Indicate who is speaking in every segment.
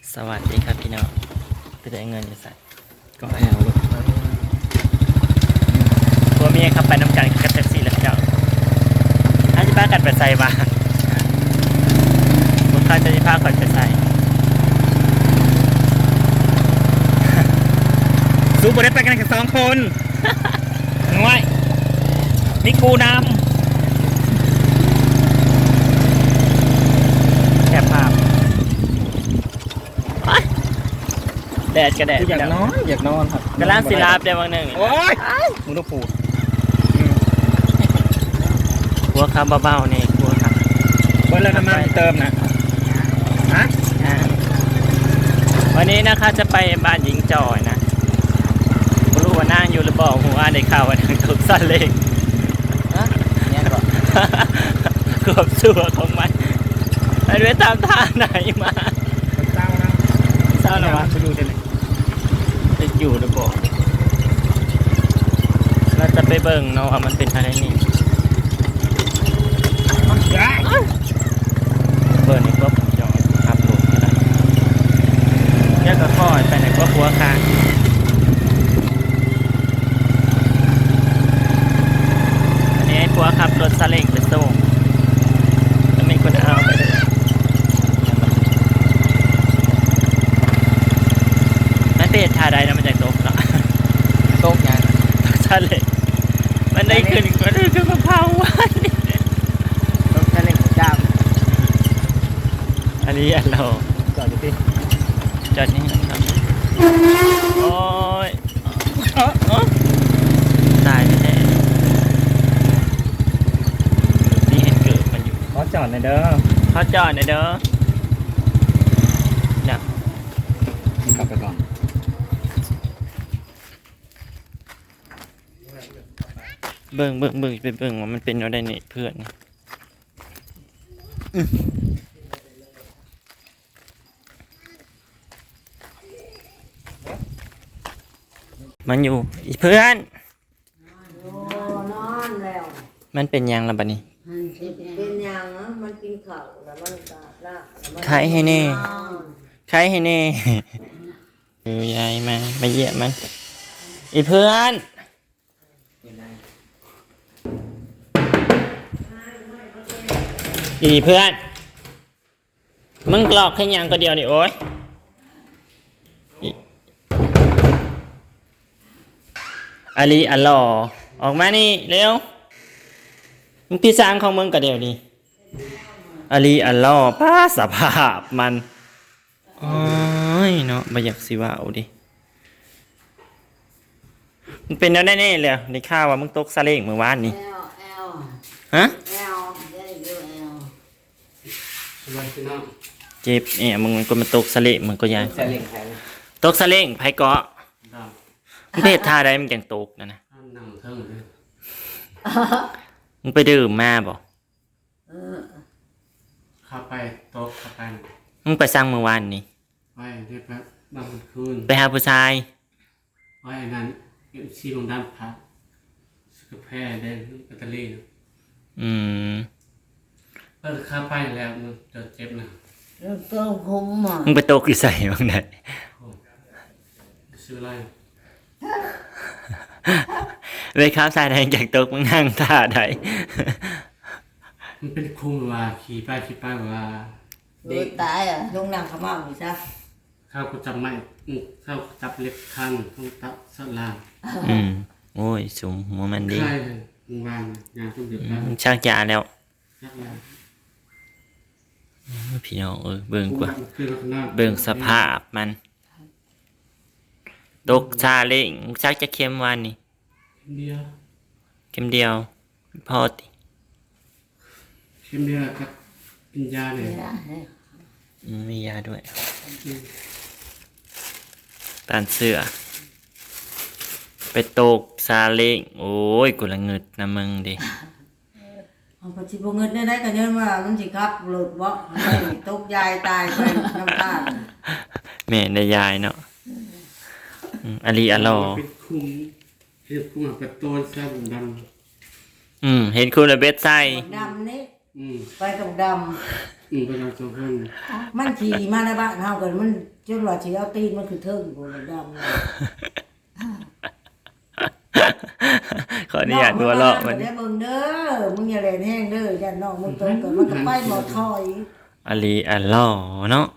Speaker 1: สวัสดีครับพี่น้องไปได้เงินจะใส่
Speaker 2: ก็แอลลูก
Speaker 1: พวกเมียขับไปน้ำกันกับแท็กซี่แล้วพี่น้องถ้าจะพากันไปใส่บ้านพวกเขาจะพากันไปใส่สู้บได้ไปกันแค่2 คนง่วยมีกูนำแคบภาพแดดกระแดด
Speaker 2: อยากนอนครับ
Speaker 1: กำลังศิลาบได้บางหนึ่ง
Speaker 2: โอ๊ยมึงต้องพูด
Speaker 1: หัวคำเบาๆนี่หัวคำ
Speaker 2: เบิ้ลแล้วน้ำมันเติมนะฮะ
Speaker 1: วันนี้นะคะจะไปบ้านหญิงจอยนะไม่รู้ว่านั่งอยู่หรือเปล่าหัวได้ข่าวว่านั่งถูกสั่นเลย
Speaker 2: เนี่ยก่อน
Speaker 1: เกือบสัวของมันไปด้วยตามท่าไหนมา
Speaker 2: เศร้านะ
Speaker 1: เศร้าหรอวะ
Speaker 2: ไปดูได้เลย
Speaker 1: จะอยู่หรือเปล่าเราจะไปเบิ่งเนาะว่ามันเป็นอะไรนี่เบิ่งนี่ก็จอยขับรถอะไรแยกก็ค่อยไปไหนก็หัวคางอันนี้ไอ้ผัวขับรถซาเล้งไปส่งแล้วมีคนเอาไปเลยไม่เป็นท่าใดนะมันจะตกเนาะ
Speaker 2: โต๊ะยัง
Speaker 1: ซาเล้งมันได้ขึ้นมะพร้าวหวาน
Speaker 2: โต๊ะแค่เล็กจ้าม
Speaker 1: อันนี้อันเรา
Speaker 2: จอดอยู่ที่
Speaker 1: จอดนี่นะครับโอ้ยตายแน่นี่เห็นเกิดมันอยู่
Speaker 2: ขอจอดหน่อยเด้อ
Speaker 1: เขาจอดหน่อยเด้อเนี่ย
Speaker 2: กลับไปก่อน
Speaker 1: เบิ่งไปเบิ่งว่ามันเป็นอะไรเนี่ยเพื่อนมันอยู่อีเพื่อน
Speaker 3: โอ้นอนแล้ว
Speaker 1: มันเป็นยังล่ะบัดนี้
Speaker 3: มันเป็นอย่างนะมันกินข้าวแล้วมันก็ละแล้วมัน
Speaker 1: ขายให้แน่
Speaker 3: นอน
Speaker 1: ใครให้แน่ยายมาเยี่ยมมันอีเพื่อนอีเพื่อนมึงกรอกแค่ยังก็เดียวนี่โอ้ยอาลีอัลลอออกมานี่เร็วมึงพี่สร้างของมึงก็เดียวดิอาลีอัลลอป้าสภาพมันโอ้ยเนาะไม่อยากสิว่าเอาดิมันเป็นแล้วแน่ๆเลยในข่าวว่ามึงตกซาเล้งเมื่อวานนี่
Speaker 3: แอล
Speaker 1: ฮะ
Speaker 3: แอลได้ดูแอล
Speaker 1: เจ็บเนี่ยมึงมันก็มาตกซาเล้งมันก็ยัง
Speaker 2: แค่เล็กแทน
Speaker 1: ตกซาเล้งไผเกาะมึงเพศท่าใดมึงยังตกนะ
Speaker 4: นั่งเทิงเลย
Speaker 1: มึงไปดื่มมาบ่
Speaker 4: เข้าไปโต๊ะเข้าไป
Speaker 1: มึงไปสั่งเมื่อวานนี่
Speaker 4: ไว้เรียบร้อยบางคืน
Speaker 1: ไปหาผู้ชาย
Speaker 4: ไว้อันนั้นชีลงด้านพักสกแพร่ได้แบตเตอรี่นะ
Speaker 1: อืม
Speaker 4: เข้าไปแล้วมันจะเจ็บนะ
Speaker 3: แล้วก็คุ้มอ่ะ
Speaker 1: มึงไปตกอยู่ใส่บ้างไหน
Speaker 4: ซื้ออะไร
Speaker 1: ไปข้าวสายแดงจากตกมึงนั่งท่าใด
Speaker 4: มันเป็นคุ้มว่าขี่ไปว่า
Speaker 3: เด็กตายอ่ะลงนั่งขม่าอยู่ซะ
Speaker 4: เข้าก็จับไม่เข้าจับเล็บคันต้องตับสลาง
Speaker 1: อืมโอ้ยสูงหัวมันดี
Speaker 4: ใช่เลยมึงวางงานต้องเดือดร้อน
Speaker 1: มึงชักยาแล้ว
Speaker 4: ยักยา
Speaker 1: พี่น้องเบิ่งกว่า
Speaker 4: คือลักษณะ
Speaker 1: เบิ่งสภาพมันตกซาเล้งมึงชักจะเค็มวันนี่
Speaker 4: เดียว
Speaker 1: เค็มเดียวพอติ
Speaker 4: เข้มเดียวกับกินยาเนี่ย
Speaker 3: นี่นะเนี่ย
Speaker 1: มียาด้วยตานเสื้อไปตกซาเล้งโอ้ยกูละเงิดนะมึงดิ
Speaker 3: เอาไปชิบเงินได้กันเยอะว่ามันสิครับหลุดบ่ให้ตกยายตายไปน้ำตา
Speaker 1: แม่ได้ยายเนาะอาลีอัลลอ
Speaker 4: เป็นคุ้มเห็ดคุ้มกับตัวแซ่บดำ
Speaker 1: เห็นคุณระเบ็ดใส่
Speaker 3: ดำนี่
Speaker 4: ม
Speaker 3: ไปกับด
Speaker 4: ไปทำสองคน
Speaker 3: ำมันขี่มาในบ้านเฮากันมันจนว่าสิเอาตีนมันคือเทิงบ่ดำ
Speaker 1: ขออนุญาตหัวเราะมัน
Speaker 3: เด้อเบิ่งเด้อมึงอย่าแล่นแห้งเด้อยันน้องมึงตกกันมันก็ไปบ่ถอย
Speaker 1: อาลีอัลลอเนาะ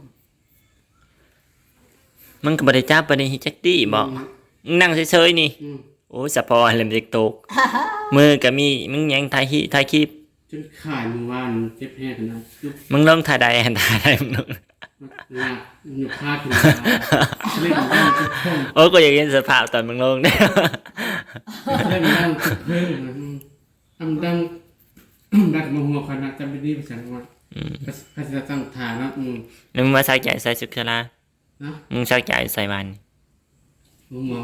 Speaker 1: มึงก็บ่ได้จับบ่ได้ฮิจักตี้บ่มึงนั่งเฉยๆนี่โอ้ยสะพอเล่มจิกตกมือก็มีมึงยังถ่ายคลิป
Speaker 4: จนขาดมือวานเจ็บแห้งขนาดยุบ
Speaker 1: มึงลงถ่ายใดอันถ่ายใดมึงลง
Speaker 4: หนักหยุดพลาดขึ้นมาเล่นด้านจุดเพิ่ม
Speaker 1: โอ้ก็อยากเห็นสภาพตอนมึงลงเนี่ย
Speaker 4: เล่นด้านจุดเพิ่มทำดังดักมาหัวขนาดจำเป็นดีภาษาว่าก็จะตั้งฐานนะ
Speaker 1: แล้วมึงมาสักใจใส่สุขลา
Speaker 4: นะ
Speaker 1: มึงสักใจใส่มัน
Speaker 4: หัวเมา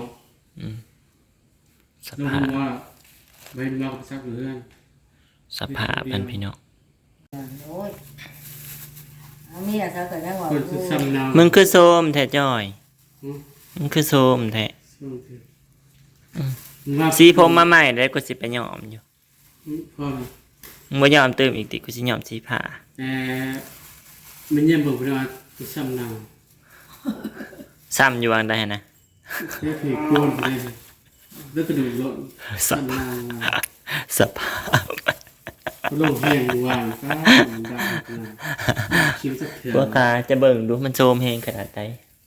Speaker 1: ส
Speaker 4: ลง
Speaker 1: ภาพ
Speaker 4: หัวใบเมาสักเรื่อง
Speaker 1: สภาพมันพี่น้อง
Speaker 3: โอ้ยเอาเมียซะก็ยังว่า
Speaker 4: คนสุดซ้ำนาว
Speaker 1: มึงคือโซมแท้จ้อยมึงคือโซมแท้สีผมมาใหม่ได้กูสิไปยอมอยู่
Speaker 4: พ่อ
Speaker 1: มึงบ่ยอมเติมอีกติกูสิยอมสีผ้า
Speaker 4: แต่มันยังบอกว่าสุดซ้ำนาว
Speaker 1: ซ้ำอยู่วางได้นะ
Speaker 4: แค่ผีโกนเลยแล้วก็ดูรถซ้ำนาว
Speaker 1: สภาพ
Speaker 4: ลงแห้งวางก็ดังคิ้วสักเถื่อน
Speaker 1: พวกขาจะเบิ่งดูมันโซมเฮงขนาดไหน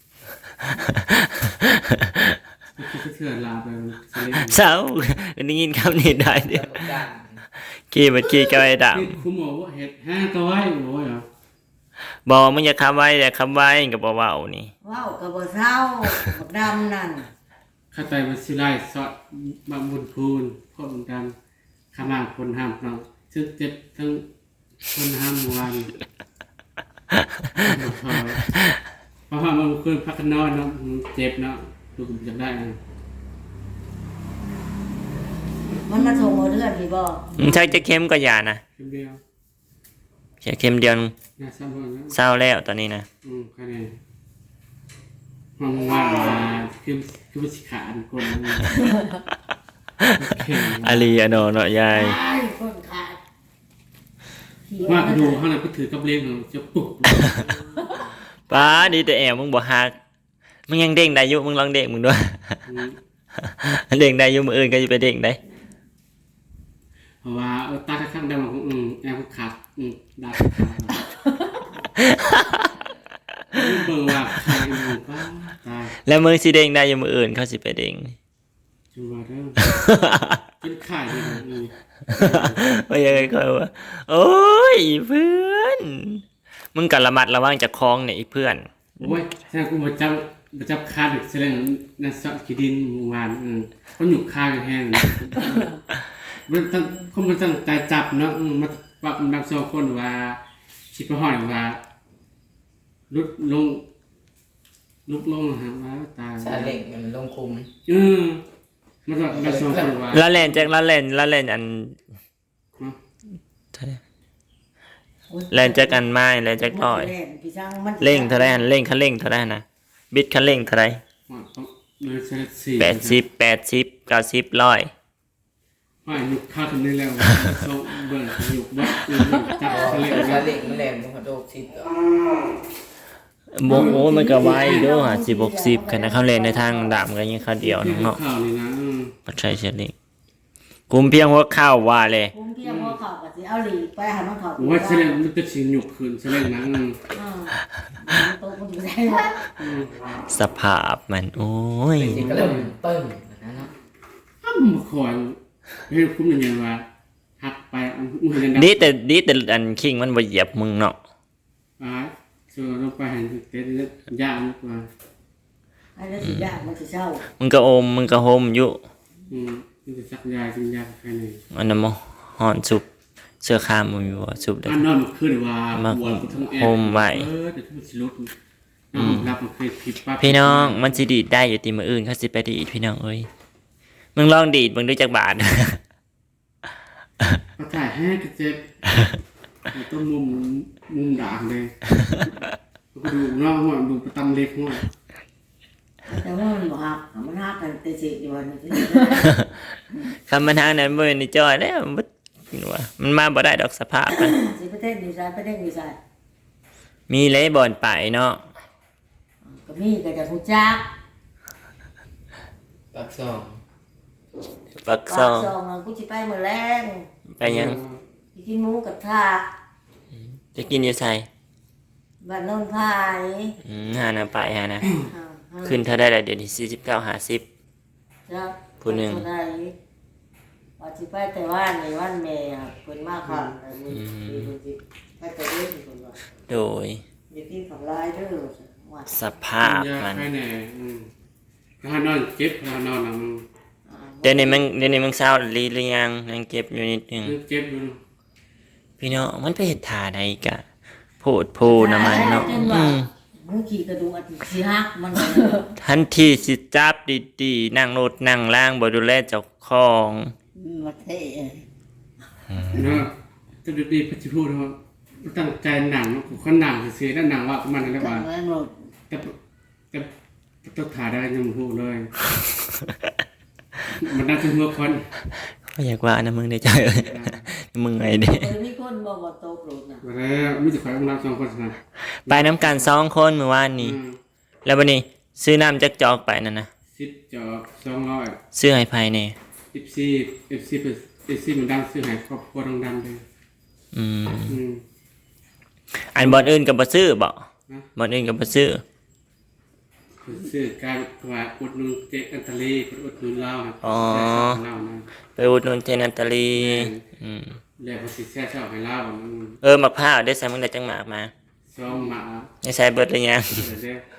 Speaker 4: คิ้วสักเถื่อนลาไปเ
Speaker 1: เศร้าได้ยินคำนี้ได้เดียวขี่มันขี่ก็ไอ้ด
Speaker 4: คุณหมอว่าเห็ดห้าตัวไว้โอ้ยเหรอ
Speaker 1: ำบอกมึงอย่าคำไว้อย่าคำไว้กับบ่เว้านี่
Speaker 3: เว้าก็บ่เศร้าบักดำนั่น
Speaker 4: ข้าใจมันสิไล่สอดบางบุญคูณพ่อบุญดำข้ามาคนห้ามเราซึ่งเจ็บทั้งคนห้ามวันเพราะว่ามันคืนพักนอนเนาะเจ็บเนาะดูผมจำได้นะ
Speaker 3: มันมาส่งเอาเลือดพี่บ่
Speaker 1: มึงใช้จะเข้มก็อย่านะ
Speaker 4: เข็มเดียว
Speaker 1: แค่เข้มเดียว
Speaker 4: น่าซ้ำคนนะ
Speaker 1: เศร้าแล้วตอนนี้นะ
Speaker 4: แค่นี้มันว่างมาคือมันสิขาดคน
Speaker 1: อาลีอโนเนาะยาย
Speaker 3: ตายคนขาด
Speaker 4: ว่ากระดูกข้างในก็ถือกับเลี้ยงจะปุก
Speaker 1: ป้าดีแต่แอวมึงบ่ฮักมึงยังเด้งได้อยู่มึงลองเด้งมึงด้วย เด้งได้อยู่มื้ออื่นก็จะไปเด้งได้
Speaker 4: เพราะว่าตาข้างๆได้มาแอบขาดดับขาดเบิ่งว่าใครอยู่ป้าตาย
Speaker 1: แล้วมึงสิเด้งได้อยู่มื้ออื่นเขาสิไปเด้ง
Speaker 4: จังหวะเริ่มเป็นไข่เลย
Speaker 1: ว่ายังไงก็ว่าโอ้ยเพื่อนมึงก็ระมัดระวังจากคลองเนี่ยอีเพื่อน
Speaker 4: โอ้ยแค่กูมาจับคาดึกแสดงนั่นสะขีดินวานเขาหยุกคากันแห้งมันตั้งเขามันตั้งใจจับเนาะมาปักมันดับโซ่คนว่าชิบะห่อยว่าลุกลงฮะว่าตาย
Speaker 2: ซาเล็งมันลงคุม
Speaker 4: มันก็ดับโซ่คนว่า
Speaker 1: ละเล่นจากละเล่นอันเล่นจากอันไม้เล่นจากร้อยเร่งเท่าไรอันเร่งคันเร่งเท่าไรนะบิดคันเร่งเท่าไร80 90 100
Speaker 4: ว่าหยุกคาถึงได้แล้วโซ่เบิ่งหยุกวัดจับทะเล
Speaker 2: ซาเล็งมันแหลมมันกระโดดสิบ
Speaker 1: โอ้มันก็ไว้ด้วยฮะ10 60กันนะเขาเล่นในทางดามกันยังเขาเดียวเนาะ
Speaker 4: ข่าวนี่นะ
Speaker 1: ปัจจัยเฉลี่ยกุมเพียงหัวข้าวว่าเลย
Speaker 3: คุ้มเพียงพอเข้าก็สิเอาหลีไปหามันเข้า
Speaker 4: ว่าแสดงมันจะสิหยุกขึ้นแสดงนะ
Speaker 3: โตมันอยู่ได้
Speaker 1: สภาพมันโอ้ย
Speaker 2: จริงก็เริ่มตึ้งนะเนาะ
Speaker 4: อ้ำมาคอยให้คุ้มอย่างเงี้ยว่าหักไปอุ้ยยัง
Speaker 1: ดีแต่อันคิงมันบ่เหยียบมึงเนาะ
Speaker 4: เสือลงไปหันเต้นยากมากกว่า
Speaker 3: ไอ้แล้วสิยากมันสิเศร้า
Speaker 1: มึงก็อมมึงก็โฮมอยู่
Speaker 4: มันจะสักยายกินยาใครหนึ่ง
Speaker 1: อันนั้นบ่หอนสุบเสื้อคามมึงอยู่บ่สุบเด้อ
Speaker 4: อันนอนมันขึ้นว่าปวดทั้งแอ
Speaker 1: โฮมไว้
Speaker 4: เดี๋ยวทุกสิลุกรับมันเคยผิดปั๊บ
Speaker 1: พี่น้องมันสิดีดได้อยู่ติมื้ออื่นเขาสิไปดีดพี่น้องเอ้ยมึงลองดีดมึงดูจักบาท
Speaker 4: ก็ถ่ายแห้งก็เจ็บต้นมุมด่างเลยก็ดูนอกหัวดูประตำเล็กหัว
Speaker 3: แต่ว่ามันบ่ฮักมันฮักกันแต่สิอยู่วันนี้
Speaker 1: คำมันทางนั้นบ่นี่จ้อยแล้วมันคิดว่ามันมาบ่ได้ดอกสภาพมัน
Speaker 3: สิประเทศดีไซน์ประเทศดีไซน์
Speaker 1: มีเลยบอนไปเนาะ
Speaker 3: ก็มีก็จะฮู้จัก
Speaker 2: ปักซอง
Speaker 1: ปักซ
Speaker 3: ปา
Speaker 1: อก ง
Speaker 3: ซองกูสิไปมื้อแรง
Speaker 1: ไปยัง
Speaker 3: สิกินหมูกระทะ
Speaker 1: จะกินอยู่ไส
Speaker 3: บ้านโนนพาย
Speaker 1: หานะไปหานะ
Speaker 3: อ่า
Speaker 1: ขึ้นเท่าได้ละเดี๋ยวนี้49 50
Speaker 3: จ้ะ
Speaker 1: ผู้หนึ่ง
Speaker 3: ไปเท่าใดว่าสิไปแต่ว่านในวันแม่อะเพิ่นมาค่ะมีสิไปแต่เด้อเพิ่นว่า
Speaker 1: โดย
Speaker 3: อย่ากินของลายเด้อว่า
Speaker 1: สภาพ
Speaker 4: ยา
Speaker 1: มัน
Speaker 4: แค่ไหนถ้านอนเจ็บถ้านอนมัน
Speaker 1: เดี๋ยวนี้มึงเศร้าลีหรือยังยังเก็บอยู่นิดนึง
Speaker 4: เจ็บอยู่
Speaker 1: พี่น้องมันไปเฮ็ดท่าใดกะโพดโพน้ำมันเนาะ
Speaker 3: มึงขี่กระดูกอาทิตย์สิฮักมัน
Speaker 1: ทันทีสิจับดีๆนั่งรถนั่งล่างบ่ดูแลเจ้าของ
Speaker 3: มาเท่
Speaker 4: เนาะจะดีๆพัชพูดว่าตั้งใจหนังคนหนังเสียแล้วหนังว่ามันอะไร
Speaker 3: จั
Speaker 4: บ้าง
Speaker 3: งนั้นหมด
Speaker 4: แต่ต้องถ่ายได้ยังพูดเลย มันน่าจะเมื่อคน
Speaker 1: ก็อยากว่านะมึงได้ใจเอ้ยมึงไงเด้
Speaker 3: เออมีคนบอกว่าโตโกรธนะ
Speaker 4: มาแล้วมีแต่ขอให้รับสองคนนะ
Speaker 1: ไปน้ำกัน2คนเมื่อวานนี้ แล้ววันนี้ซื้อน้ำจักจอกไปนั่นนะ
Speaker 4: 10 จอบ200
Speaker 1: ซื้อให้ภายใน
Speaker 4: FC มันดังซื้อให้ครอบครัวดังๆเลย
Speaker 1: อืม
Speaker 4: อืม
Speaker 1: อันบ่อนอื่นก็บ่ซื้อบ่
Speaker 4: นะ
Speaker 1: บ่อนอื่นก็บ่ซื้อ
Speaker 4: ซื้อการว่าอุดหนุนเจ๊อันตลีอุดหนุนเล่าครับ
Speaker 1: อ๋อ
Speaker 4: แซ่บๆเล่านะ
Speaker 1: ไปอุดหนุนเทนันตาลีอืม
Speaker 4: แล้วก็สิแซ่บๆให้เล่ามัน
Speaker 1: มะพร้าวได้ใส่มึงได้จังหมากมา
Speaker 4: ซ้อมหมา
Speaker 1: ได้ใส่เบิดหรือยัง
Speaker 4: เดี๋ยวเด้อ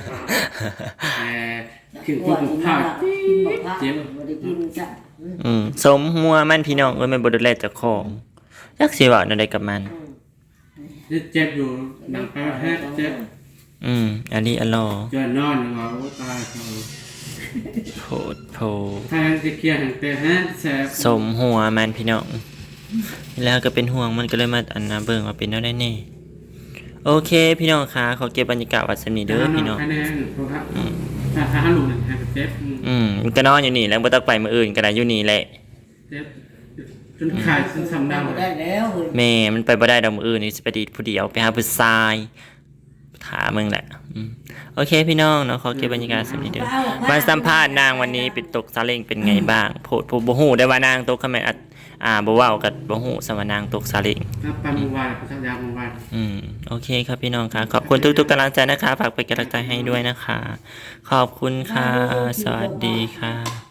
Speaker 4: ขึ้นพวกหมูข้าว
Speaker 3: กินหมกผ้าไม่ได้กินจ้ะ
Speaker 1: สมหัวมันพี่น้องเอ้ยมันบ่ดูแลเจ้าของจักสิเว้าแนวใดกับมัน
Speaker 4: นี่เจ็บอยู่หนังไปแฮะเจ็บ
Speaker 1: อันนี้อัลลอฮ์
Speaker 4: จนนอนอยู่ว่าโอ้ตายเขา
Speaker 1: โพดโพ
Speaker 4: ถ้าจะเคลียร์หันแต่ฮะแซ่บ
Speaker 1: สมหัวมันพี่น้องแล้วก็เป็นห่วงมันก็เลยมาอันนะเบิ่งว่าเป็นแนวใดแน่โอเค พี่น้องคะขอเก็บบรรยากาศวัดสำนีเด้อพี่น้อง
Speaker 4: คะแนนเพราะครับถ้าลูกเนี่ยเจ็บ
Speaker 1: มันก็นอนอยู่นี่แล้วบ่ต้องไปมื้ออื่นก็ได้อยู่นี่แหละ
Speaker 4: เจ็บจนขาดจนสำดัง
Speaker 3: ไม่ได้แล้วเฮ้ย
Speaker 1: แม่มันไปบ่ได้ดอกมื้ออื่นนี่สิไปดีดผู้เดียวไปหาผู้ชายถามมึงแหละโอเคพี่น้องเนาะขอเก็บบรรยากาศสำนีเด้อมาสัมภาษณ์นางวันนี้เป็นตกซาเล้งเป็นไงบ้างโพดผู้บ่ฮู้ได้ว่านางตกคอมเมนต์บ่เว้ากับบ่ฮู้สว่านางตกซาเล้ง
Speaker 4: ถ้าไปเมื่อวานพระสัญญาเมื่อวาน
Speaker 1: โอเคครับพี่น้องค่ะขอบคุณทุกๆกำลังใจนะคะฝากเป็นกำลังใจให้ด้วยนะคะ ขอบคุณค่ะ สวัสดีค่ะ